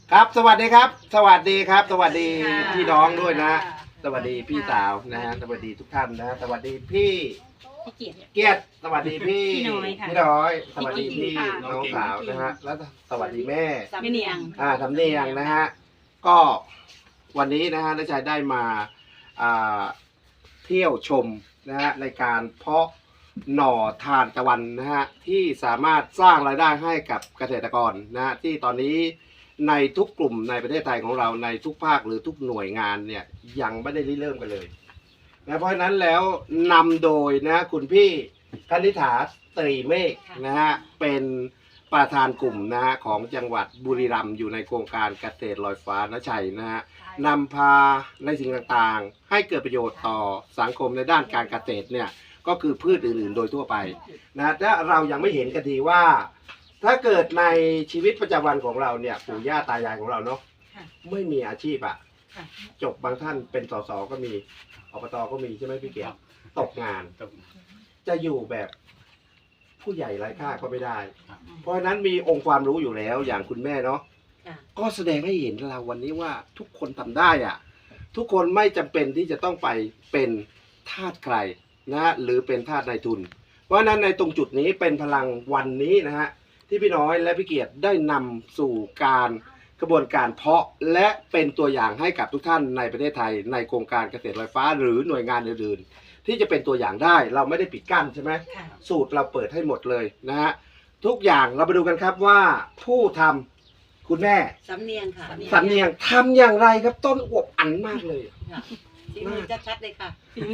ครับสวัสดีครับ สวัสดีครับ สวัสดีพี่น้องด้วยนะ สวัสดีพี่สาวนะฮะสวัสดีทุกท่านนะสวัสดีพี่เกียรติสวัสดีพี่น้อยสวัสดีพี่น้องสาวนะฮะแล้วสวัสดีแม่สำเนียงสำเนียงนะฮะก็วันนี้นะฮะน้าชายได้มาเที่ยวชมนะฮะในการเพาะหน่อทานตะวันนะฮะที่สามารถสร้างรายได้ให้กับเกษตรกรนะฮะที่ตอนนี้ในทุกกลุ่มในประเทศไทยของเราในทุกภาคหรือทุกหน่วยงานเนี่ยยังไม่ได้เริ่มกันเลยนะเพราะฉะนั้นแล้วนำโดยนะคุณพี่คณิษฐาตรีเมฆนะฮะเป็นประธานกลุ่มนะฮะของจังหวัดบุรีรัมย์อยู่ในโครงการเกษตรลอยฟ้าณชัยนะฮะนำพาในสิ่งต่างๆให้เกิดประโยชน์ต่อสังคมในด้านการเกษตรเนี่ยก็คือพืชอื่นๆโดยทั่วไปนะถ้าเรายังไม่เห็นกันทีว่าถ้าเกิดในชีวิตประจำวันของเราเนี่ยปู่ย่าตายายของเราเนาะไม่มีอาชีพอะจบบางท่านเป็นสสก็มีอบตก็มีใช่ไหมพี่เกียรติตกงานจะอยู่แบบผู้ใหญ่ไร้ค่าก็ไม่ได้เพราะฉะนั้นมีองค์ความรู้อยู่แล้วอย่างคุณแม่เนาะก็แสดงให้เห็นเราวันนี้ว่าทุกคนทำได้อะทุกคนไม่จำเป็นที่จะต้องไปเป็นทาสใครนะหรือเป็นทาสนายทุนเพราะฉะนั้นในตรงจุดนี้เป็นพลังวันนี้นะฮะที่พี่น้อยและพี่เกียรติได้นำสู่การกระบวนการเพาะและเป็นตัวอย่างให้กับทุกท่านในประเทศไทยในโครงการเกษตรลอยฟ้าหรือหน่วยงานอื่นๆที่จะเป็นตัวอย่างได้เราไม่ได้ปิดกั้นใช่ไหมสูตรเราเปิดให้หมดเลยนะฮะทุกอย่างเราไปดูกันครับว่าผู้ทำคุณแม่สำเนียงค่ะสำเนียงทำอย่างไรครับต้นอวบอันมากเลยที่มือชัดๆเลยค่ะ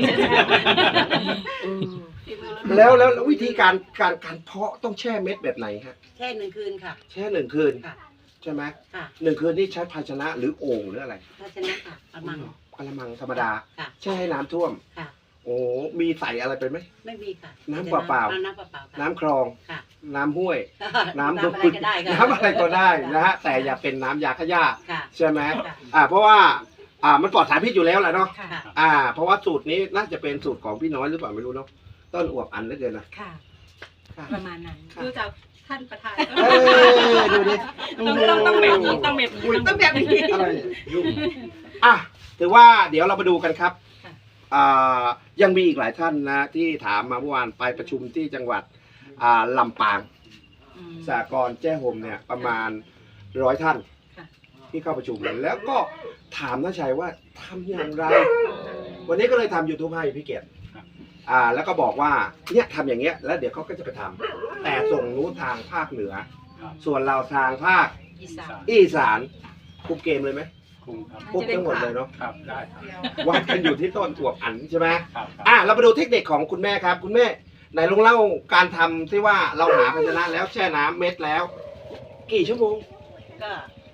แล้ววิธีการเพาะต้องแช่เม็ดแบบไหนฮะแช่1 คืนค่ะแช่1 คืนใช่ไหม1 คืนนี่ใช้ภาชนะหรือโอ่งหรืออะไรภาชนะค่ะกระมังธรรมดาแช่ให้น้ำท่วมโอ้มีใส่อะไรไปไหมไม่มีค่ะน้ำเปล่าน้ำคลองน้ำห้วยน้ำอะไรก็ได้น้ำอะไรก็ได้นะฮะแต่อย่าเป็นน้ำยาฆ่าหญ้าใช่ไหมเพราะว่ามันปลอดสารพิษอยู่แล้วแหละเนาะเพราะว่าสูตรนี้น่าจะเป็นสูตรของพี่น้อยหรือเปล่าไม่รู้เนาะต้นอวบอันเหลือเกินนะค่ะประมาณนั้นดูจากท่านประธานดูดิต้องแบบนี้ต้องแบบนี้อะไรยุ่งถือว่าเดี๋ยวเรามาดูกันครับยังมีอีกหลายท่านนะที่ถามมาเมื่อวานไปประชุมที่จังหวัดลำปางสหกรณ์แจ้ห่มเนี่ยประมาณ100 ท่านที่เข้าประชุมแล้วก็ถามน้าชัยว่าทำอย่างไรวันนี้ก็เลยทำ YouTube ให้พี่เกียรติแล้วก็บอกว่าเนี่ยทำอย่างเงี้ยแล้วเดี๋ยวเขาก็จะไปทำแต่ส่งนู้นทางภาคเหนือส่วนเราทางภาคอีสานคุมเกมเลยไหมคุมทั้งหมดเลยเนาะครับได้ครับวัดกันอยู่ที่ต้นอวบอันใช่ไหมเราไปดูเทคนิคของคุณแม่ครับคุณแม่ไหนลองเล่าการทำที่ว่าเราหาภาชนะแล้วแช่น้ำเม็ดแล้วกี่ชั่วโมงก็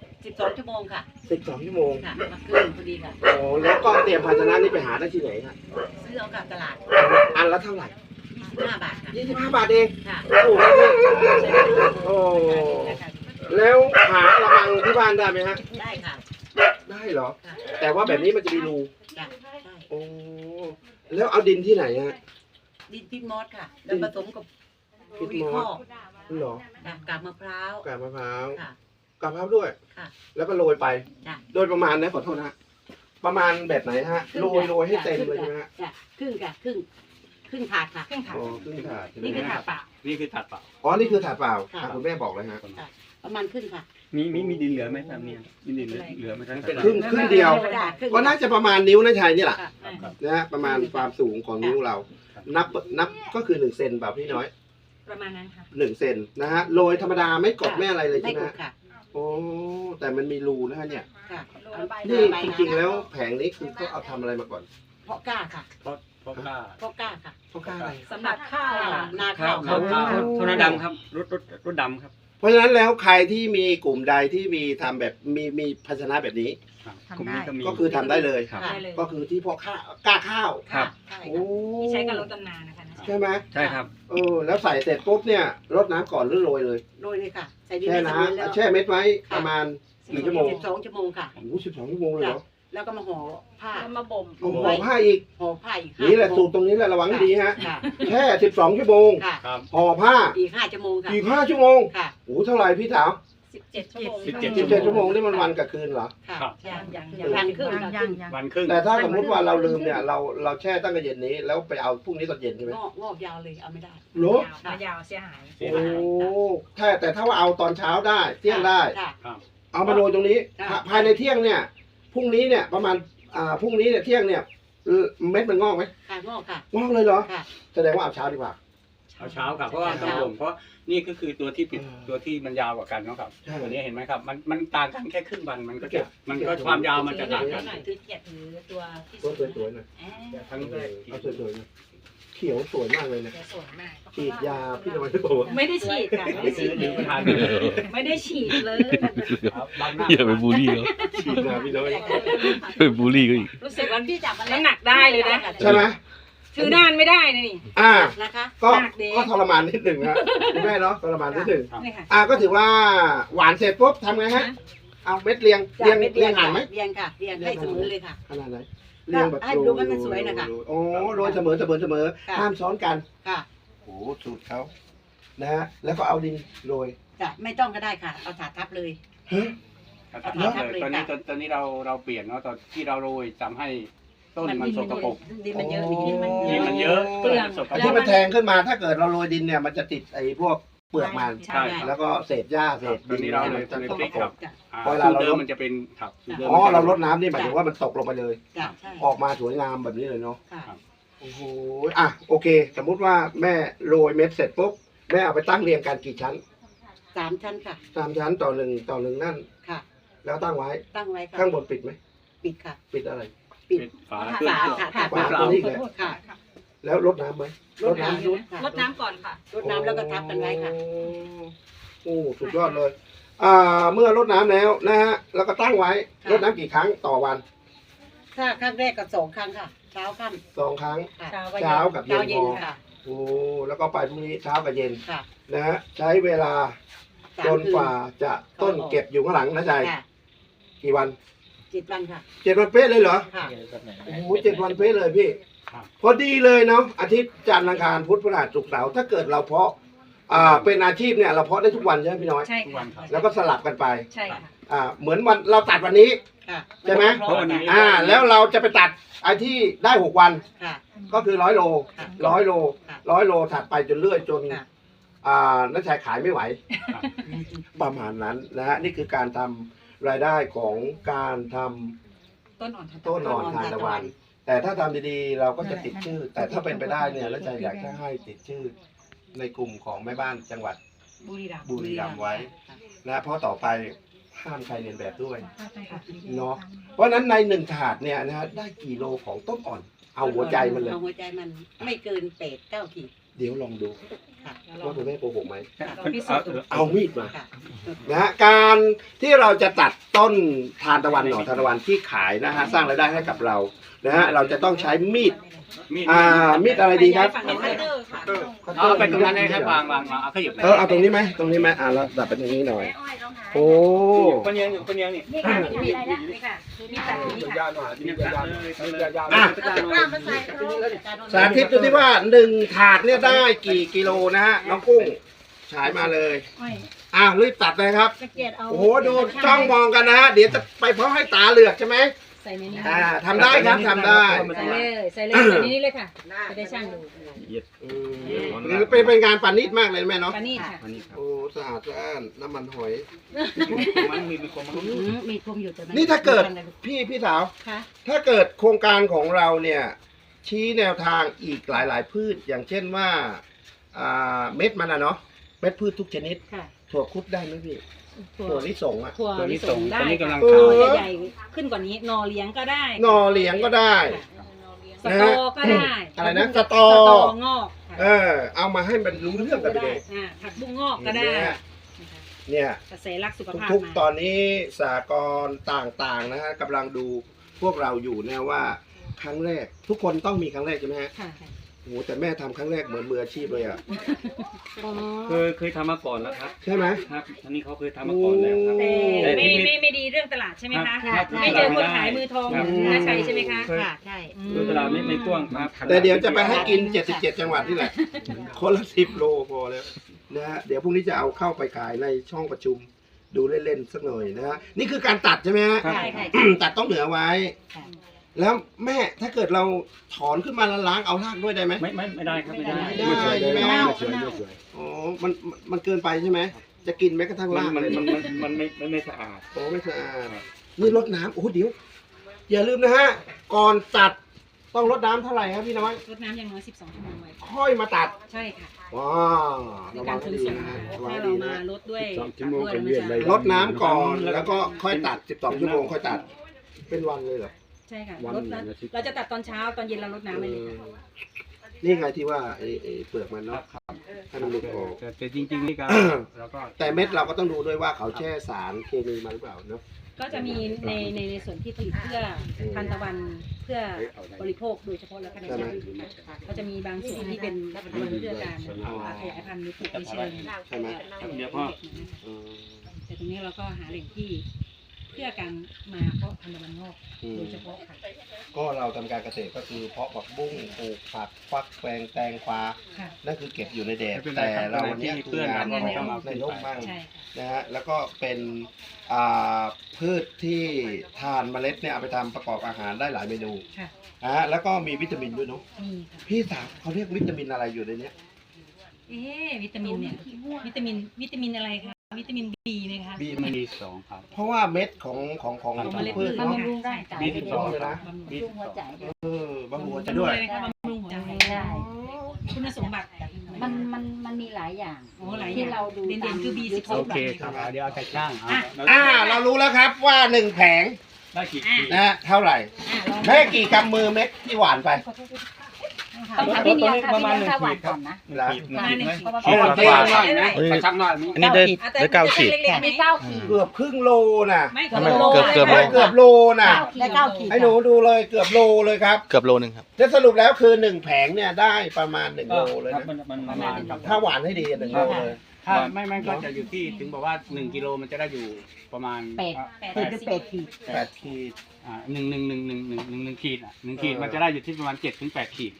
12 ชั่วโมงค่ะ 12 ชั่วโมงค่ะคืนพอดีค่ะโอ้แล้วก็เตรียมภาชนะนี้ไปหาได้ที่ไหนครับซื้อเอากับตลาดอันละเท่าไหร่ 25 บาทค่ะ 25 บาทเองค่ะโอ้แล้วหากระมังที่บ้านได้ไหมฮะได้ค่ะได้เหรอแต่ว่าแบบนี้มันจะมีรูได้โอ้แล้วเอาดินที่ไหนฮะดินพิษมอสค่ะแล้วผสมกับพิษมอสเหรอกาบมะพร้าวกาบมะพร้าวด้วยแล้วก็โรยไปโดยประมาณนะขอโทษนะประมาณแบบไหนฮะโรยให้เต็มเลยใช่ไหมฮะครึ่งถาดค่ะครึ่งถาดนี่คือถาดเปล่านี่คือถาดเปล่านี่คือถาดเปล่าคุณแม่บอกเลยฮะประมาณครึ่งค่ะมีดินเหลือไหมครับเนี่ยมีดินเหลือไหมครับครึ่งเดียวก็น่าจะประมาณนิ้วนะชัยนี่แหละนะฮะประมาณความสูงของนิ้วเรานับก็คือ1 เซนแบบพี่น้อยประมาณนั้นค่ะ 1 เซนนะฮะโรยธรรมดาไม่กดไม่อะไรเลยใช่ไหมโอ้แต่มันมีรูนะฮะเนี่ยนี่จริงๆแล้วแผงนี้คือเขาเอาทำอะไรมาก่อนเพาะกล้าค่ะเพาะกล้าค่ะเพาะกล้าอะไรสำหรับข้าวนาข้าวโทนดำครับรถดำครับเพราะฉะนั้นแล้วใครที่มีกลุ่มใดที่มีทำแบบมีภาชนะแบบนี้ก็คือทำได้เลยก็คือที่เพาะกล้าข้าวโอ้ที่ใช้กับรถตำนานนะคะใช่ไหมใช่ครับแล้วใส่เสร็จปุ๊บเนี่ยรดน้ำก่อนหรือโรยเลยค่ะแช่น้ำแช่เม็ดไว้ประมาณ1 ชั่วโมง 12 ชั่วโมงค่ะโอ้12 ชั่วโมงเลยเหรอแล้วก็มาห่อผ้ามาบ่มห่อผ้าอีกนี่แหละสูตรตรงนี้แหละระวังให้ดีฮะแช่12 ชั่วโมงห่อผ้าอีก5 ชั่วโมงค่ะอีก5 ชั่วโมงโอ้เท่าไหร่พี่สาว 17 ชั่วโมง 17 ชั่วโมงนี่มันวันกับคืนเหรอค่ะครับยังวันครึ่งค่ะครึ่งวันครึ่งแต่ถ้าสมมติว่าเราลืมเนี่ยเราแช่ตั้งแต่เย็นนี้แล้วไปเอาพรุ่งนี้ตอนเย็นใช่ไหมงอกยาวเลยเอาไม่ได้โหมายาวเสียหายเสียโอ้หายแต่ถ้าว่าเอาตอนเช้าได้เที่ยงได้ค่ะครับเอามาโรยตรงนี้ค่ะภายในเที่ยงเนี่ยพรุ่งนี้เนี่ยประมาณพรุ่งนี้เนี่ยเที่ยงเนี่ยเม็ดมันงอกไหมค่ะงอกค่ะงอกเลยเหรอค่ะแสดงว่าเอาเช้าดีกว่าเอาเช้าครับเพราะว่าต้องบ่มเพราะนี่ก็คือตัวที่ปิดเออตัวที่มันยาวกว่ากันเนาะครับใช่ตัวนี้เห็นไหมครับมันต่างกันแค่ครึ่งวันมันก็เก็จะบมันก็ความยาวมันจะต่างกันคือเกียรติถือตัวที่ต้นสวยๆหน่อยทั้งแรกเอาสวยๆหน่อยเขียวสวยมากเลยเนี่ยสวยมากฉีดยาพี่ทำไมไม่บอกว่าไม่ได้ฉีดค่ะไม่ได้ฉีดหรือประธานไม่ได้ฉีดเลยบางหน้าอย่าไปบูลลี่เขาฉีดมาพี่น้อยอย่าไปบูลลี่เขาอีกรู้สึกว่าพี่จับน้ำหนักได้เลยนะใช่ไหมถือนานไม่ได้นะนี่นะคะก็หนักเด้ก็ทรมานนิดหนึ่งนะคุณแม่เนาะทรมานนิดหนึ่งนี่ค่ะก็ถือว่าหวานเสร็จปุ๊บทำไงฮะเอาเม็ดเรียงห่างไหมเรียงค่ะเรียงให้เสมอเลยค่ะขนาดไหนเรียงแบบให้ดูให้มันสวยนะคะโอ้โรยเสมอห้ามซ้อนกันค่ะโอ้สูตรเขานะฮะแล้วก็เอาดินโรยจะไม่ต้องก็ได้ค่ะ เอาถาดทับเลยฮะครับเลยตอนนี้เราเปลี่ยนเนาะตอนที่เราโรยทำให้ต้นมันสกปรกดินมันเยอะดินมันเยดินอะมันเยอะเปลือกสกไอ้ปรที่กมันแทงขึ้นมาถ้าเกิดเราโรยดินเนี่ยมันจะติดไอ้พวกเปลือกมันใช่แล้วก็เศษหญ้าเศษตอนนี้เราเลยจะเลยตกพลิกครับจ้ะสูตรเดิมมันจะเป็นครับสูตรดิมอ๋อเราลดน้ำนี่หมายถึงว่ามันตกลงไปเลยจ้ะใช่ออกมาสวยงามแบบนี้เลยเนาะค่ะโอ้โหโอเค สมมุติว่าแม่โรยเม็ดเสร็จปุ๊บแม่เอาไปตั้งเรียงกันกี่ชั้น 3 ชั้นค่ะ 3 ชั้นต่อหนึ่งนั่นค่ะแล้วตั้งไว้ตั้งไว้ค่ะข้างบนปิดไหมปิดค่ะปิดอะไรปิดเป็นฝาฝาค่ะฝาตัวนี้แหละค่ะแล้วรดน้ำไหมรดน้ำรดน้ำก่อนค่ะรดน้ำแล้วก็ทับกันไว้ค่ะโอ้สุดยอดเลยเมื่อรดน้ำแล้วนะฮะแล้วก็ตั้งไว้รดน้ำกี่ครั้งต่อวันถ้าครั้งแรกก็2 ครั้งค่ะ เช้าค่ำ 2 ครั้งค่ะเช้ากับเย็นเช้าเย็นพอค่ะโอ้แล้วก็ไปพรุ่งนี้เช้ากับเย็นค่ะนะฮะใช้เวลาสมจนกว่าจะต้นเก็บอยู่ข้างหลังนะใจค่ะกี่วัน 7 วันค่ะ 7 วันเป๊ะเลยเหรอค่ะโอ้โห7 วันเป๊ะเลยพี่ครับพอดีเลยเนาะอาทิตย์จันทร์อังคารพุธพฤหัสศุกร์เสาร์ถ้าเกิดเราเพาะเป็นอาชีพเนี่ยเราเพาะได้ทุกวันใช่ไหมพี่น้อยใช่ทุกวัค่ะนครับแล้วก็สลับกันไปใช่ค่ะเหมือนวันเราตัดวันนี้ค่ะใช่ไหมเพราะวันนี้แล้วเราจะไปตัดไอ้ที่ได้6 วันค่ะก็คือ100 โลค่ะ 100 โลค่ะ 100 โลถัดไปจนเรื่อยจนค่ะนักชายขายไม่ไหวครับประมาณนั้นนะฮะนี่คือการทำรายได้ของการทำต้นอ่อนทานต้นอ่อนทานตะวัน แต่ถ้าทำดีๆเราก็จะติดชื่อ แต่ถ้าเป็นไปได้เนี่ยแล้วใจอยากจะให้ติดชื่อ ในกลุ่มของแม่บ้านจังหวัดบุรีรัมย์บุรีรัมย์ไว้นะเพราะต่อไปห้ามใครเรียนแบบด้วยเนาะเพราะฉะนั้นใน1 ถาดเนี่ยนะฮะได้กี่โลของต้นอ่อน เอาหัวใจมันเลยเอาหัวใจมันไม่เกิน8-9 ขีดเดี๋ยวลองดูค่ะว่าคุณแม่โกหกไหมพิสูจน์เอามีดมาค่ะนะฮะการที่เราจะตัดต้นทานตะวันหน่อทานตะวันที่ขายนะฮะสร้างรายได้ให้กับเรานะฮะเราจะต้องใช้มีด มีดอะไรดีครับฝั่งนี้คัตเตอร์ค่ะเอาไปตรงนั้นเลยครับวางเอาขยับไปเอาตรงนี้ไหมตรงนี้ไหมแล้วดับไปตรงนี้หน่อย โอ้คนเยังอยู่คนเยังนี่นี่ค่ะมีอะไรนะนี่ค่ะมีตัดนี้ค่ะสาธิตดูที่ว่า1 ถาดเนี่ยได้กี่กิโลนะฮะน้องกุ้งฉายมาเลยรีบตัดเลยครับตะเกียบเอาโอ้โหดูจ้องมองกันนะฮะเดี๋ยวจะไปเพราะให้ตาเหลือกใช่ไหมใส่ในนี้ทำได้ครับทำได้ใส่เลยใส่เลยใส่ในนี้เลยค่ะจะได้ช่างดูเป็นงานปานิชมากเลยแม่เนาะปานี่ค่ะอันนี้ครับโอ้สะอาดสะอ้านน้ำมันหอยมันมีความมันมีคมอยู่แต่มันี่ถ้าเกิดพี่สาวค่ะถ้าเกิดโครงการของเราเนี่ยชี้แนวทางอีกหลาย ๆ พืชอย่างเช่นว่าเม็ดมันเนาะเม็ดพืชทุกชนิดค่ะถั่วคุดได้ไหมพี่ถั่วถั่วลิสงถั่วตัวลินี้สส่งงตได้อนนี้กำลังเอหอน่อใหญ่ๆขึ้นกว่านี้นอเลี้ยงก็ได้หนอเหลียงก็ได้สตอก็ได้อะไรนะสตองอกเอามาให้มันรู้เรื่องกันไปเลยผักบุ้งงอกก็ได้เนี่ยกระแสรักสุขภาพทุกมาๆตอนนี้สากลต่างๆนะฮะกำลังดูพวกเราอยู่นะว่าครั้งแรก ทุกคนต้องมีครั้งแรกใช่ไหมฮะค่ะโอ้โหแต่แม่ทำครั้งแรกเหมือนมืออาชีพเลยอ่ะเคยทำมาก่อนแล้วครับใช่ไหมครับอันนี้เขาเคยทำมาก่อนแล้วครับแต่ไม่ดีเรื่องตลาดใช่ไหมคะครับไม่เจอคนขายมือทองน่าใช่ใช่ไหมคะค่ะใช่ดูตลาดไม่กว้างครับแต่เดี๋ยวจะไปให้กิน 77 จังหวัดนี่แหละ คนละ10 โลพอแล้วนะฮะเดี๋ยวพรุ่งนี้จะเอาเข้าไปขายในช่องประชุมดูเล่นๆสักหน่อยนะฮะนี่คือการตัดใช่ไหมฮะใช่ค่ะตัดต้องเหนือไว้ค่ะแล้วแม่ถ้าเกิดเราถอนขึ้นมาแล้วล้างเอารากด้วยได้ไหมไม่ได้ครับไม่ได้ไม่ได้ใช่ไหมเน่าอ๋อมันเกินไปใช่ไหมจะกินแม้กระทั่งรากเลยมันไม่สะอาดโอ้ไม่สะอาดนี่รดน้ำโอ้เดี๋ยวอย่าลืมนะฮะก่อนตัดต้องรดน้ำเท่าไหร่ครับพี่น้อยรดน้ำอย่างน้อย12 ชั่วโมงไว้ค่อยมาตัดใช่ค่ะว้าวในระวัการงคืให้นดีส่งนะฮะระวังถ้าให้เราดีมานะลดด้วย 12 ชั่วโมงด้วยเป็นเวียนเลยรดน้ำก่อนแล้วก็ค่อยตัด12ชั่วโมงค่อยตัดเป็นวันเลยเหรอใช่ค่ะวันลดน้ำเราจะตัดตอนเช้าตอนเย็นเราลดน้ำไปเลยค่ะนี่ไงที่ว่าไอ้เปลือกมันเนาะให้มันหลุดออกแต่จริงๆนี่ก็เราก็แต่เม็ดเราก็ต้องดูด้วยว่าเขาแช่สารเคมีมาหรือเปล่าเนาะก็จะมีในส่วนที่ผลิตเพื่อทานตะวันเพื่อบริโภคโดยเฉพาะแล้วก็ในชาติค่ะก็จะมีบางส่วนที่เป็นทานเพื่อการขยายพันธุ์หรือปลูกในเชิงใช่ไหมเดี๋ยวพ่ออืมแต่ตรงนี้เราก็หาแหล่งที่เพื่อการมาเพาะพันธุ์ตะวันงอกโดยเฉพาะค่ะก็เราทำการเกษตรก็คือเพาะผักบุ้งปลูกผักฟักแตงกวาค่ะนั่นคือเก็บอยู่ในแดดไม่เป็นไรแต่ครับเราวันนี้ที่คืเพื่ออนงานเราของต้องเอาในร่มบ้างใช่นะฮะแล้วก็เป็นพืชที่ทานเมล็ดเนี่ยเอาไปทำประกอบอาหารได้หลายเมนูค่ะนะฮะแล้วก็มีวิตามินด้วยเนาะมีค่ะพี่สาวเขาเรียกวิตามินอะไรอยู่ในเนี้ยวิตามินเนี่ยวิตามินอะไรคะวิตามินบีไหมคะบีมี2ครับเพราะว่าเม็ดของของเมล็ดพืชพืชเนาะบำรุงร่างกายมีได้ 12 ด้วยเลยนะมีบำรุงหัวใจด้วยบำรุงหัวใจด้วยบำรุงหัวใจได้คุณสมบัติมันมีหลายอย่างโอ้หลายอย่างที่เราดูเด่นๆคือ B12 โอเคครับเดี๋ยวเอาแต่ช่างเรารู้แล้วครับว่า1แผงได้กี่นะฮะเท่าไหร่แม่กี่กำมือเม็ดที่หวานไปต้องถามพี่เนียค่ะพี่เนียค่ะหวานก่อนนะอ๋อเท่หน่อยนะกระชังหน่อยอันนี้ได้9 ขีดมี9 ขีดเกือบครึ่งโลนะไม่ทำไมโลเกือบไม่เกือบโลนะได้9 ขีดให้หนูดูเลยเกือบโลเลยครับเกือบโลนึงครับแล้วสรุปแล้วคือ1แผงเนี่ยได้ประมาณ1โลเลยครับนะมันประมาณครับถ้าหวานให้ดี1โลเลยถ้าไม่ก็จะอยู่ที่ถึงบอกว่า1กิโลมันจะได้อยู่ประมาณ 8 คือ8 ขีด 8ขีดหนึ่งขีด1ขีดมันจะได้อยู่ที่ประมาณ7 ถึง 8 ขีด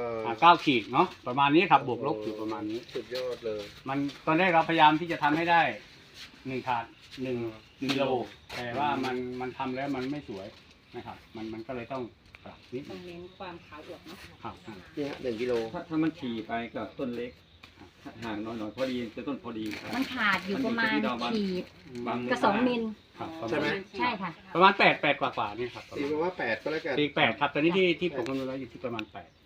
9 ขีดเนาะประมาณนี้ครับบวกลบอยู่ประมาณนี้สุดยอดเลยมันตอนแรกเราพยายามที่จะทำให้ได้1 ถาด1กิโลแต่ว่ามันทำแล้วมันไม่สวยนะครับมันก็เลยต้องปรับนิดต้องเน้นความขาวอวบเนาะครับนี่ฮะ1กิโลถ้ามันถี่ไปกับต้นเล็กห่างหน่อยๆพอดีจะต้นพอดีครับมันขาดอยู่ประมาณขีดบางกับ2 มิลครับใช่ไหมใช่ค่ะประมาณ8กว่านี่ครับตีมาว่า8ก็แล้วกันตี8ครับตอนนี้ที่ผมคำนวณไว้อยู่ที่ประมาณ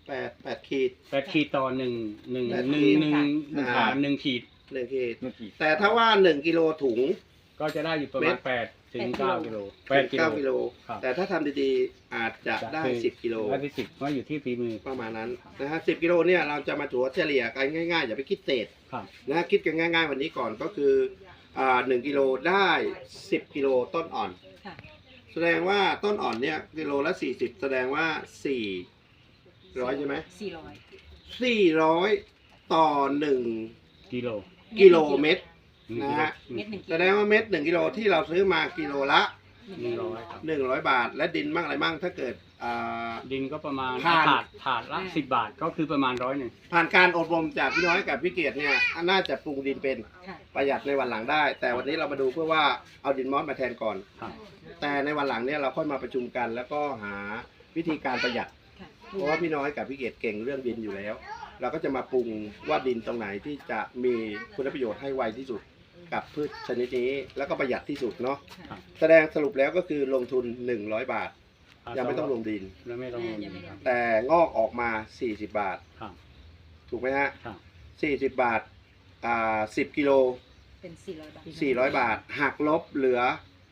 8ขีด 8ขีดต่อ1 ถาด1ขีด 1ขีดเมื่อกี้แต่ถ้าว่า1กิโลถุงก็จะได้อยู่ประมาณ8 ถึง 9 กิโล 9 8 กิโลครับแต่ถ้าทำดีๆอาจจะได้10กิโลได้ที่10ก็อยู่ที่ฝีมือประมาณนั้นนะฮะ10กิโลเนี่ยเราจะมาถัวเฉลี่ยกันง่ายๆอย่าไปคิดเศษครับนะฮะคิดกันง่ายๆวันนี้ก่อนก็คือ1กิโลได้10กิโลต้นอ่อนค่ะแสดงว่าต้นอ่อนเนี่ยกิโลละ40แสดงว่า400ใช่ไหม 400 400ต่อ1 กิโลกิโลเมตร นะฮะเม็ด1กิแสโลดงว่าเม็ด1กิโลที่เราซื้อมากิโลละ 100ครับ 100 บาท และดินมั่งอะไรมั่งถ้าเกิดดินก็ประมาณผ่านถาดละ10 บาทก็คือประมาณ100 ผ่านการอบรมจากพี่น้อยกับพี่เกียรติเนี่ยน่าจะปรุงดินเป็นค่ะประหยัดในวันหลังได้ แต่วันนี้เรามาดูเพื่อว่าเอาดินมอสมาแทนก่อนครับแต่ในวันหลังเนี่ยเราค่อยมาประชุมกัน แล้วก็หาวิธีการประหยัดค่ะเพราะว่าพี่น้อยกับพี่เกียรติเก่งเรื่องดินอยู่แล้ว เราก็จะมาปรุงว่าดินตรงไหนที่จะมีคุณประโยชน์ให้ไวที่สุดกับพืชชนิดนี้แล้วก็ประหยัดที่สุดเนาะครับแสดงสรุปแล้วก็คือลงทุน100 บาท ยังไม่ต้องลงดินแล้วไม่ต้องลงดินครับแต่งอกออกมา40 บาทครับถูกไหมฮะครับ 40 บาท10กิโลเป็น400 บาท 400 บาท หักลบเหลือ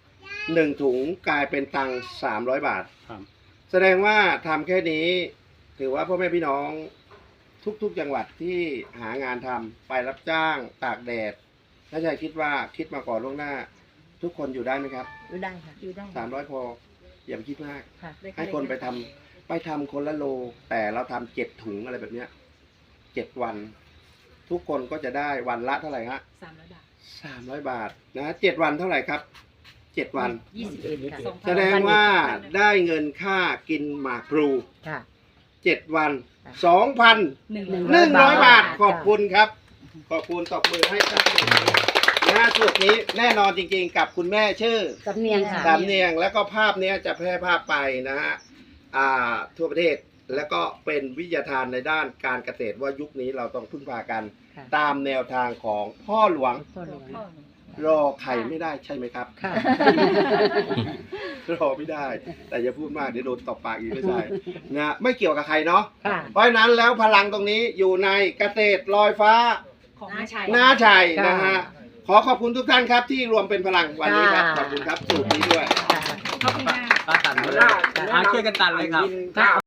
1 ถุงกลายเป็นตังค์300 บาทครับแสดงว่าทำแค่นี้ ถือว่าพ่อแม่พี่น้องทุกๆจังหวัดที่หางานทำไปรับจ้างตากแดดถ้าใจคิดว่าคิดมาก่อนล่วงหน้า ทุกคนอยู่ได้ไหมครับอยู่ได้ค่ะอยู่ได้ 300 พออย่าไปคิดมากค่ะให้คนไปทำคนละโล แต่เราทำ7 ถุงอะไรแบบเนี้ย7 วัน ทุกคนก็จะได้วันละเท่าไหร่ฮะ 300 บาท 300 บาทนะ7 วันเท่าไหร่ครับ 7 วัน 21ค่ะแสดงว่าได้เงินค่ากินหมากพลูค่ะ 7 วัน 100 2,100 บาท ขอบคุณครับ ขอบคุณตบมือให้ท่านนะะสูตรนี้แน่นอนจริงๆกับคุณแม่ชื่อสำเนียงค่ะสำเนียงแล้วก็ภาพเนี้ยจะแพร่ภาพไปนะฮะทั่วประเทศแล้วก็เป็นวิทยาทานในด้านการเกษตรว่ายุคนี้เราต้องพึ่งพากันค่ะตามแนวทางของพ่อหลวงพ่อหลวงรอใครไม่ได้ใช่ไหมครับค่ะรอไม่ได้ แต่อย่าพูดมากเดี๋ยวโดนตบปากอีกไม่ใช่นะไม่เกี่ยวกับใครเนาะค่ะเพราะฉะนั้นแล้วพลังตรงนี้อยู่ในเกษตรลอยฟ้าของน้าชัยน้าชัยค่ะนะฮะขอขอบคุณทุกท่านครับที่รวมเป็นพลังวันนี้ครับค่ะขอบคุณครับสูตรนี้ด้วยค่ะขอบคุณค่ะตัดเลยช่วยกันตัดเลยครับค่ะ